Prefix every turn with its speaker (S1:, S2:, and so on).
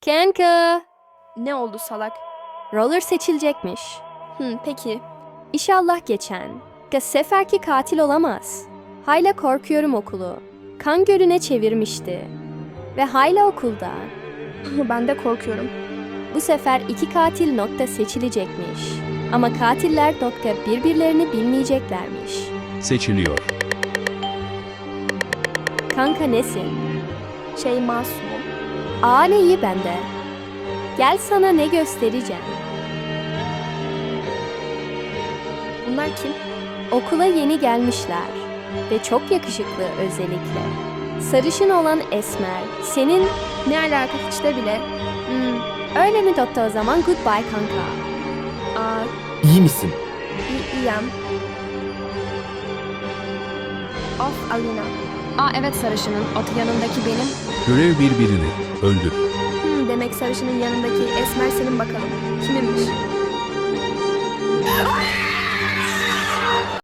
S1: Kanka,
S2: Ne oldu salak?
S1: roller seçilecekmiş.
S2: Peki.
S1: İnşallah geçen. Seferki katil olamaz. Hayla korkuyorum okulu. Kan gölüne çevirmişti. Ve hala okulda.
S2: Ben de korkuyorum.
S1: Bu sefer iki katil seçilecekmiş. Ama katiller birbirlerini bilmeyeceklermiş.
S3: Seçiliyor.
S1: Kanka nesin?
S2: Masum.
S1: Aa ne iyi bende. Gel sana ne göstereceğim.
S2: Bunlar kim?
S1: Okula yeni gelmişler. Ve çok yakışıklı özellikle. Sarışın olan Esmer. Senin...
S2: Ne alaka hiç de bile.
S1: Öyle mi doktor o zaman? Goodbye kanka.
S2: Aa,
S4: İyi misin?
S2: iyiyim. Of Alina.
S5: Evet sarışının, o yanındaki benim.
S3: Görev birbirini öldür.
S2: Demek sarışının yanındaki Esmer senin bakalım. Kiminmiş?